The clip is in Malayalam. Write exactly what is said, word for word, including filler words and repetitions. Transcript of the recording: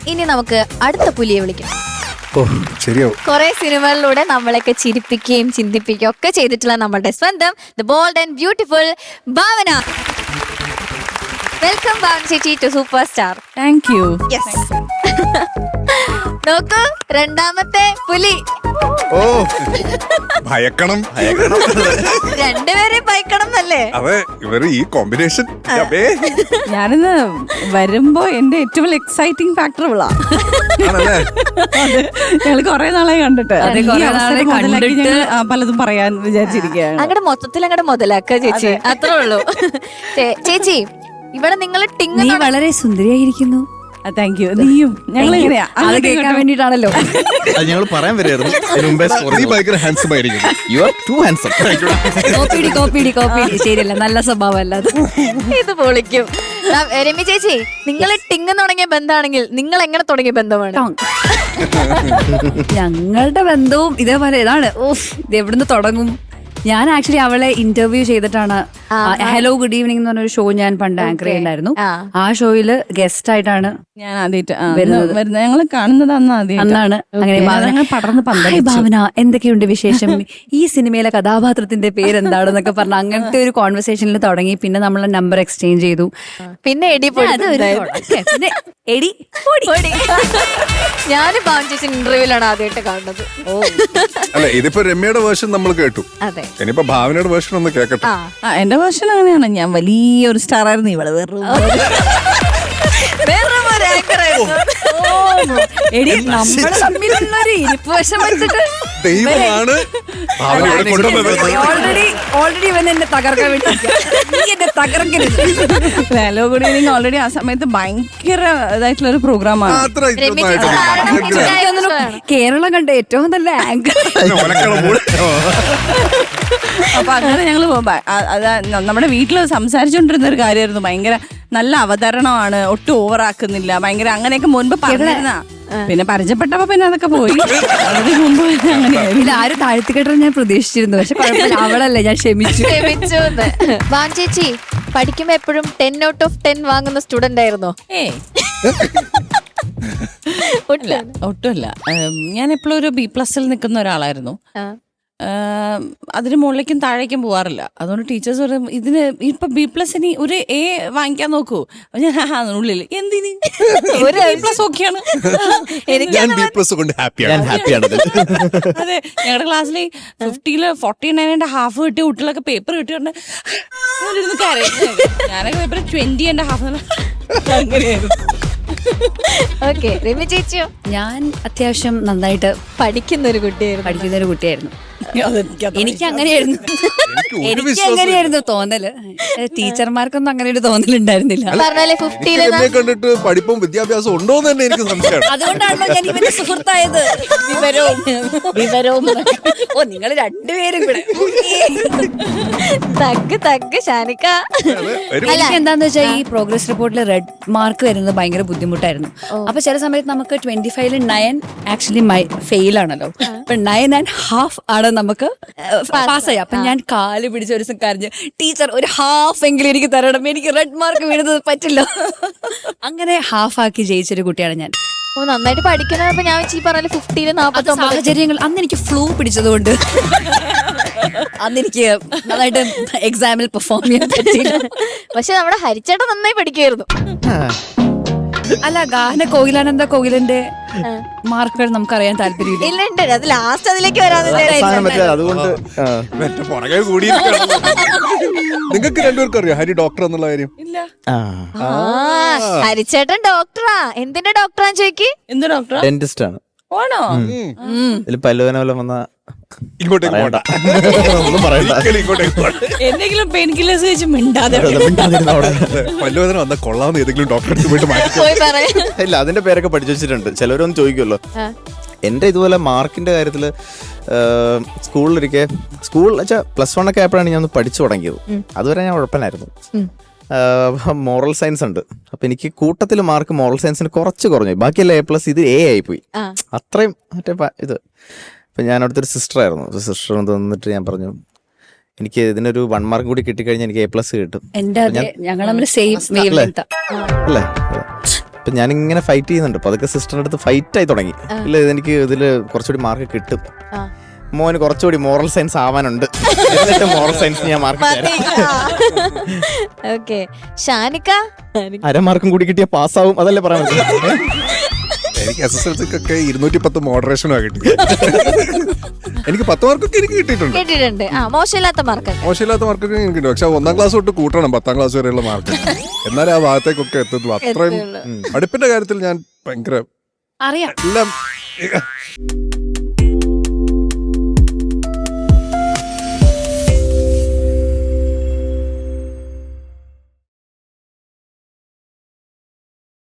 ഇനി നമുക്ക് അടുത്ത പുലിയെ വിളിക്കാം. കുറെ സിനിമകളിലൂടെ നമ്മളെയൊക്കെ ചിരിപ്പിക്കുകയും ചിന്തിപ്പിക്കുകയും ഒക്കെ ചെയ്തിട്ടുള്ള നമ്മുടെ സ്വന്തം the bold and beautiful Bhavana. Welcome Bhavana ചേച്ചി to super star. Thank you. Yes. നോക്കൂ, രണ്ടാമത്തെ പുലി. ഓ ഭയക്കണം ഭയക്കണം രണ്ടുപേരെയും ഭയക്കണം എന്നല്ലേ? അതെ, ഇവര് ഈ കോമ്പിനേഷൻ. ഞാനിന്ന് വരുമ്പോ എന്റെ ഏറ്റവും എക്സൈറ്റിംഗ് ഫാക്ടർ ഇവളാ. ഞങ്ങള് കൊറേ നാളായി കണ്ടിട്ട് ഞങ്ങള് പലതും പറയാൻ വിചാരിച്ചിരിക്കുകയാണ്. അങ്ങടെ മൊത്തത്തിൽ അങ്ങടെ മുതലാക്ക ചേച്ചി, അത്രേ ഉള്ളൂ. ചേച്ചി, ഇവിടെ നിങ്ങൾ ടിങ് വളരെ സുന്ദരിയായിരിക്കുന്നു. Thank you. നീയും ഞങ്ങൾ എങ്ങനെയാ അത് കേൾക്കാൻ വേണ്ടിട്ടാണല്ലോ ഞങ്ങൾ പറയാൻ വരായിരുന്നു. ഹാൻസം ആയിരിക്കും. You are too handsome. കോപ്പിടി കോപ്പിടി കോപ്പിടി ശരിയല്ല, നല്ല സ്വഭാവമല്ല അത്. ഇത് പൊളിക്കും. രമ്യ ചേച്ചി, നിങ്ങൾ ടിങ് തുടങ്ങിയ ബന്ധമാണെങ്കിൽ നിങ്ങൾ എങ്ങനെ തുടങ്ങിയ ബന്ധമാണ്? ഞങ്ങളുടെ ബന്ധവും ഇതേപോലെ ഇതാണ്. ഓഫ്, ഇത് എവിടുന്ന് തുടങ്ങും? ഞാൻ ആക്ച്വലി അവളെ ഇന്റർവ്യൂ ചെയ്തിട്ടാണ്. ഹലോ ഗുഡ് ഈവനിങ് എന്ന് പറഞ്ഞൊരു ഷോ ഞാൻ പണ്ട് ആങ്കർ ചെയ്യുന്നുണ്ടായിരുന്നു. ആ ഷോയില് ഗസ്റ്റ് ആയിട്ടാണ് ഞാൻ ആദ്യമായിട്ട് വരുന്നത്. ഞങ്ങൾ കാണുന്നത് അന്ന് ആദ്യം അന്നാണ്. അങ്ങനെ പടർന്ന് പന്തൽ. ഭാവന, എന്തൊക്കെയുണ്ട് വിശേഷം? ഈ സിനിമയിലെ കഥാപാത്രത്തിന്റെ പേരെന്താണെന്നൊക്കെ പറഞ്ഞ അങ്ങനത്തെ ഒരു കോൺവെർസേഷനിൽ തുടങ്ങി. പിന്നെ നമ്മൾ നമ്പർ എക്സ്ചേഞ്ച് ചെയ്തു. പിന്നെ എടി പിന്നെ എടി ഞാൻ ഭാവന ചേച്ചി ഇന്റർവ്യൂലാണ് ആദ്യമായിട്ട് കാണുന്നത്. ഓ അല്ല, ഇതിപ്പോ രമ്യയുടെ വേർഷൻ നമ്മൾ കേട്ടു. അതെ, ഇനിയിപ്പോ ഭാവനയുടെ വേർഷൻ ഒന്ന് കേക്കട്ടെ. എന്റെ വേർഷൻ അങ്ങനെയാണ്. ഞാൻ വലിയൊരു സ്റ്റാർ ആയിരുന്നു. ഇവള് വേറെ എടി, നമ്മള് തമ്മിലുള്ള ഒരു ഇരിപ്പ് വശം വെച്ചിട്ട് ദൈവമാണ് ഓൾറെഡി ഓൾറെഡി ഇവൻ എന്നെ തകർക്കാൻ വേണ്ടി എന്നെ തകർക്കരുത്. ഹലോ ഗുഡ് ഈവനിങ് ഓൾറെഡി ആ സമയത്ത് ഭയങ്കര ഇതായിട്ടുള്ള ഒരു പ്രോഗ്രാമാണ്. കേരളം കണ്ട ഏറ്റവും നല്ല ആങ്കർ. അപ്പൊ അങ്ങനെ ഞങ്ങള് നമ്മുടെ വീട്ടില് സംസാരിച്ചോണ്ടിരുന്ന ഒരു കാര്യമായിരുന്നു. ഭയങ്കര നല്ല അവതരണമാണ്, ഒട്ടും ഓവറാക്കുന്നില്ല, ഭയങ്കര അങ്ങനെയൊക്കെ മുൻപ് പറഞ്ഞിരുന്ന. പിന്നെ പരിചയപ്പെട്ടപ്പോ പിന്നെ അതൊക്കെ പോയി. അതിന് മുമ്പ് അങ്ങനെയായിരുന്നു. ആരും താഴ്ത്തിക്കെട്ടാൻ ഞാൻ പ്രതീക്ഷിച്ചിരുന്നു. പക്ഷെ കുഴപ്പമില്ല, അവളല്ലേ, ഞാൻ ക്ഷമിച്ചു ക്ഷമിച്ചു ഭാൻ ചേച്ചി, പഠിക്കുമ്പോ എപ്പോഴും ടെൻ ഔട്ട് ഓഫ് ടെൻ വാങ്ങുന്ന സ്റ്റുഡന്റ് ആയിരുന്നോ? ഏ ഒട്ടുമല്ല. ഞാൻ എപ്പോഴും ഒരു ബി പ്ലസിൽ നിൽക്കുന്ന ഒരാളായിരുന്നു. അതിന് മുകളിലേക്കും താഴേക്കും പോവാറില്ല. അതുകൊണ്ട് ടീച്ചേഴ്സ് പറയും, ഇതിന് ഇപ്പൊ ബി പ്ലസ് ഇനി ഒരു എ വാങ്ങിക്കാൻ നോക്കൂ. ഞാൻ ഉള്ളിൽ എന്തിന് ഒരു ബി പ്ലസ് ഓക്കെയാണ്. അതെ, ഞങ്ങളുടെ ക്ലാസ്സിൽ ഫിഫ്റ്റിയില് ഫോർട്ടി നയൻ ഹാഫ് കിട്ടിയ കുട്ടികളൊക്കെ പേപ്പർ കിട്ടിയോണ്ട് ഞാനൊക്കെ പേപ്പർ ട്വന്റി ആൻഡ് ഹാഫ് അങ്ങനെയായിരുന്നു. ഓക്കെ, രമ്യ ചേച്ചിയോ? ഞാൻ അത്യാവശ്യം നന്നായിട്ട് പഠിക്കുന്ന ഒരു കുട്ടിയായിരുന്നു. പഠിക്കുന്ന ഒരു കുട്ടിയായിരുന്നു. എനിക്ക് അങ്ങനെയായിരുന്നു എനിക്ക് അങ്ങനെയായിരുന്നു തോന്നല്. ടീച്ചർമാർക്കൊന്നും അങ്ങനെ ഒരു തോന്നലുണ്ടായിരുന്നില്ല. കണ്ടിട്ട് പഠിപ്പും വിദ്യാഭ്യാസം ഉണ്ടോ എന്ന് തന്നെ എനിക്ക് സംശയം. അതുകൊണ്ടാണല്ലോ ഞാൻ ഇവന്റെ സുഹൃത്തായത്. വിവരവും വിവരവും ഓ നിങ്ങൾ രണ്ടുപേരും കൂടെ തക്ക് തക്ക് ഷാനിക്ക. എനിക്ക് എന്താന്ന് വെച്ചാൽ ഈ പ്രോഗ്രസ് റിപ്പോർട്ടിൽ റെഡ് മാർക്ക് വരുന്നത് ഭയങ്കര ബുദ്ധിമുട്ടായിരുന്നു. അപ്പൊ ചില സമയത്ത് നമുക്ക് ട്വന്റി ഫൈവില് നയൻ ആക്ച്വലി മൈ ഫെയിൽ ആണല്ലോ. അപ്പൊ നയൻ ആൻഡ് ഹാഫ് ആണ് നമുക്ക് പാസ് ചെയ്യാം. അപ്പൊ ഞാൻ കാല് പിടിച്ച ഒരു ദിവസം കരഞ്ഞ്, ടീച്ചർ ഒരു ഹാഫ് എങ്കിലും എനിക്ക് തരണം, എനിക്ക് റെഡ് മാർക്ക് വീഴുന്നത് പറ്റില്ല. അങ്ങനെ ഹാഫ് ആക്കി ജയിച്ചൊരു കുട്ടിയാണ് ഞാൻ. ഓ, നന്നായിട്ട് പഠിക്കണപ്പോ ഞാൻ ഈ പറഞ്ഞ ഫിഫ്റ്റിയില് നാപ്പത്തി സാഹചര്യങ്ങൾ അന്ന് എനിക്ക് ഫ്ലൂ പിടിച്ചതുകൊണ്ട് അന്ന് എനിക്ക് നന്നായിട്ട് എക്സാമിൽ പെർഫോം ചെയ്യാൻ പറ്റില്ല. പക്ഷെ നമ്മുടെ ഹരിച്ചേട്ടൻ നന്നായി പഠിക്കുമായിരുന്നു. അല്ല, ഗാന കോകിലാനന്ദ കോകിലന്റെ മാർക്കുകൾ നമുക്കറിയാൻ താല്പര്യമില്ല. ഇല്ല, ഉണ്ട്. അത് ലാസ്റ്റ് അതിലേക്ക് വരാതെ അതുകൊണ്ട് നിങ്ങൾക്ക് രണ്ടുപേർക്കും അറിയാം ഹരി ഡോക്ടർ എന്നുള്ള കാര്യം? ഹരിച്ചേട്ടൻ ഡോക്ടറാ. എന്തിന്റെ ഡോക്ടറാന്ന് ചോദിക്ക്. എന്ത് ഡോക്ടർ? ഡെന്റിസ്റ്റ് ആണ്. ആണോ? പല്ലുവേന പോലെ വന്ന ഇങ്ങോട്ടേക്ക് പോണ്ട, എന്തെങ്കിലും പെയിൻ കില്ലേഴ്സ് വെച്ച് മിണ്ടാതെ പല്ലുവേദന വന്ന കൊള്ളാവുന്ന ഏതെങ്കിലും ഡോക്ടറെ പോയിട്ട് മാറ്റി. ഇല്ല, അതിന്റെ പേരൊക്കെ പഠിച്ചു വെച്ചിട്ടുണ്ട്. ചിലവരൊന്നും ചോദിക്കുമല്ലോ. എന്റെ ഇതുപോലെ മാർക്കിന്റെ കാര്യത്തില് സ്കൂളിലിരിക്കെ സ്കൂൾ വെച്ചാൽ പ്ലസ് വൺ ഒക്കെ ആയപ്പോഴാണ് ഞാൻ ഒന്ന് പഠിച്ചു തുടങ്ങിയത്. അതുവരെ ഞാൻ ഉഴപ്പനായിരുന്നു. മോറൽ സയൻസ് ഉണ്ട്. അപ്പൊ എനിക്ക് കൂട്ടത്തിൽ മാർക്ക് മോറൽ സയൻസിന് കുറച്ച് കുറഞ്ഞു. ബാക്കിയല്ല എ പ്ലസ്, ഇത് എ ആയിപ്പോയി. അത്രയും മറ്റേ ഇത്. അപ്പൊ ഞാൻ അവിടുത്തെ ഒരു സിസ്റ്റർ ആയിരുന്നു. സിസ്റ്റർ തന്നിട്ട് ഞാൻ പറഞ്ഞു, എനിക്ക് ഇതിനൊരു വൺ മാർക്ക് കൂടി കിട്ടിക്കഴിഞ്ഞാൽ എനിക്ക് എ പ്ലസ് കിട്ടും. അല്ലേ? ഇപ്പൊ ഞാനിങ്ങനെ ഫൈറ്റ് ചെയ്യുന്നുണ്ട്. അപ്പൊ അതൊക്കെ സിസ്റ്ററിന്റെ അടുത്ത് ഫൈറ്റ് ആയി തുടങ്ങി. ഇല്ല ഇതെനിക്ക് ഇതില് കുറച്ചുകൂടി മാർക്ക് കിട്ടും, മോന് കുറച്ചുകൂടി മോറൽ സയൻസ് ആവാനുണ്ട്, എന്നിട്ട് മോറൽ സയൻസ് ഞാൻ മാർക്ക് ഓക്കെ. ഷാനിക്ക അരമാർക്കും കൂടി കിട്ടിയ പാസ്സാവും, അതല്ലേ പറയാൻ പറ്റും. എനിക്ക് എസ് എസ് എൽ സിക്കൊക്കെ ഇരുന്നൂറ്റി പത്ത് മോഡറേഷനാണ് കിട്ടി. എനിക്ക് പത്ത് മാർക്കൊക്കെ എനിക്ക് കിട്ടിയിട്ടുണ്ട്. കേട്ടിട്ടുണ്ട്. ആ മോശമില്ലാത്ത മാർക്ക്. മോശമില്ലാത്ത മാർക്കൊക്കെ എനിക്ക് കിട്ടും. പക്ഷെ ഒന്നാം ക്ലാസ് തൊട്ട് കൂട്ടണം പത്താം ക്ലാസ് വരെയുള്ള മാർക്ക്, എന്നാലും ആ ഭാഗത്തേക്കൊക്കെ എത്തുള്ളൂ. അത്രയും പഠിപ്പിന്റെ കാര്യത്തിൽ ഞാൻ ഭയങ്കര അറിയാം എല്ലാം